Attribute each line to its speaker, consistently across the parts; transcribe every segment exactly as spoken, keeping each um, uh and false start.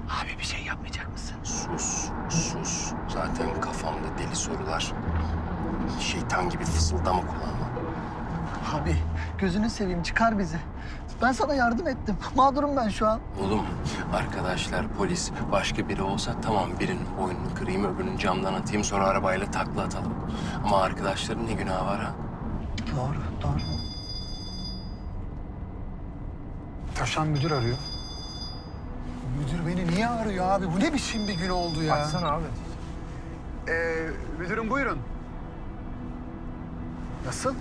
Speaker 1: Abi bir şey yapmayacak mısın?
Speaker 2: Sus, sus. Zaten kafamda deli sorular. Şeytan gibi fısıldama kulağıma.
Speaker 1: Abi gözünü seveyim çıkar bizi. Ben sana yardım ettim. Mağdurum ben şu an.
Speaker 2: Oğlum, arkadaşlar, polis, başka biri olsa tamam birinin boynunu kırayım, öbürünün camdan atayım, sonra arabayla takla atalım. Ama arkadaşların ne günahı var ha?
Speaker 1: Doğru, doğru.
Speaker 3: Taşan müdür arıyor. Müdür beni niye arıyor abi? Bu ne biçim bir gün oldu ya?
Speaker 4: Açsana abi.
Speaker 3: Ee, müdürüm buyurun. Nasıl?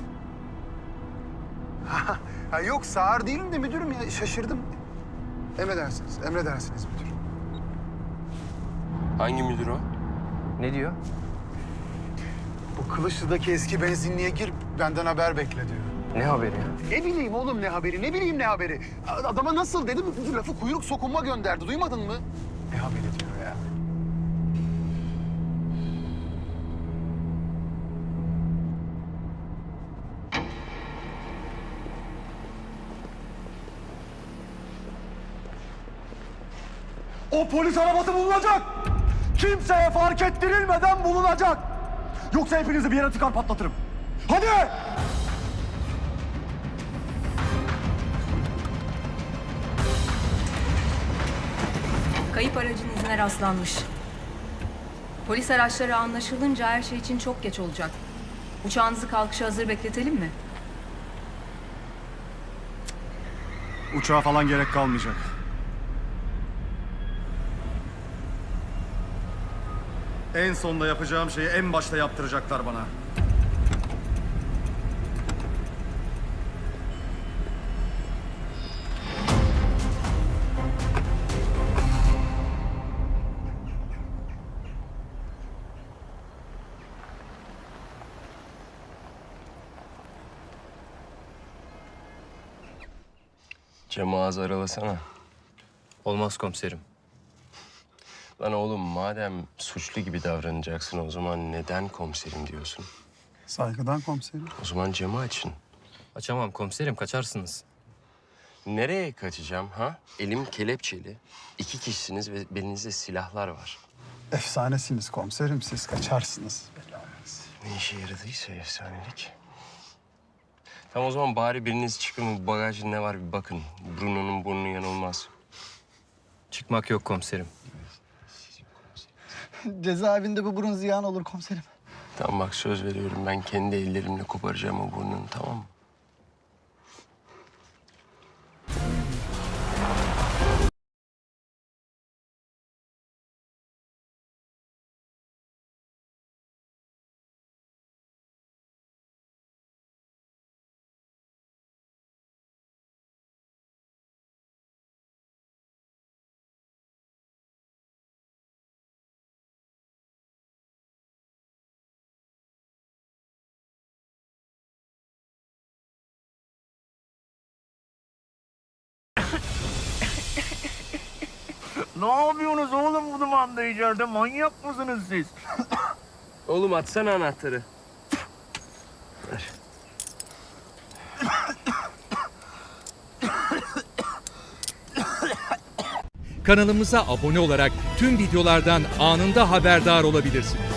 Speaker 3: ha, yok sağır değilim de müdürüm ya şaşırdım. Emredersiniz, emredersiniz müdür.
Speaker 2: Hangi müdür o?
Speaker 4: Ne diyor?
Speaker 3: Bu Kılıçlı'daki eski benzinliğe gir, benden haber bekle diyor.
Speaker 4: Ne haberi ya?
Speaker 3: Ne bileyim oğlum ne haberi, ne bileyim ne haberi. Adama nasıl dedim, lafı kuyruk sokunma gönderdi, duymadın mı? Ne haberi diyor ya.
Speaker 5: O polis arabası bulunacak. Kimseye fark ettirilmeden bulunacak. Yoksa hepinizi bir yere tıkar patlatırım. Hadi!
Speaker 6: Kayıp aracın izine rastlanmış. Polis araçları anlaşılınca her şey için çok geç olacak. Uçağınızı kalkışa hazır bekletelim mi?
Speaker 5: Uçağa falan gerek kalmayacak. En sonda yapacağım şeyi en başta yaptıracaklar bana.
Speaker 2: Camı ağzı aralasana.
Speaker 4: Olmaz komiserim.
Speaker 2: Lan oğlum madem suçlu gibi davranacaksın o zaman neden komiserim diyorsun?
Speaker 3: Saygıdan komiserim.
Speaker 2: O zaman camı açın.
Speaker 4: Açamam komiserim, kaçarsınız.
Speaker 2: Nereye kaçacağım ha? Elim kelepçeli. İki kişisiniz ve belinizde silahlar var.
Speaker 3: Efsanesiniz komiserim, siz kaçarsınız.
Speaker 2: Ne işe yaradıysa efsanelik. Tamam o zaman bari biriniz çıkın bu bagajın ne var bir bakın. Bruno'nun burnu yanılmaz.
Speaker 4: Çıkmak yok komiserim.
Speaker 1: Cezaevinde bu burun ziyan olur komiserim.
Speaker 2: Tamam bak söz veriyorum ben kendi ellerimle koparacağım o burnunu tamam mı?
Speaker 7: Ne yapıyorsunuz oğlum bu dumanda içeride? Manyak mısınız siz?
Speaker 2: Oğlum atsana anahtarı. Ver.
Speaker 8: Kanalımıza abone olarak tüm videolardan anında haberdar olabilirsiniz.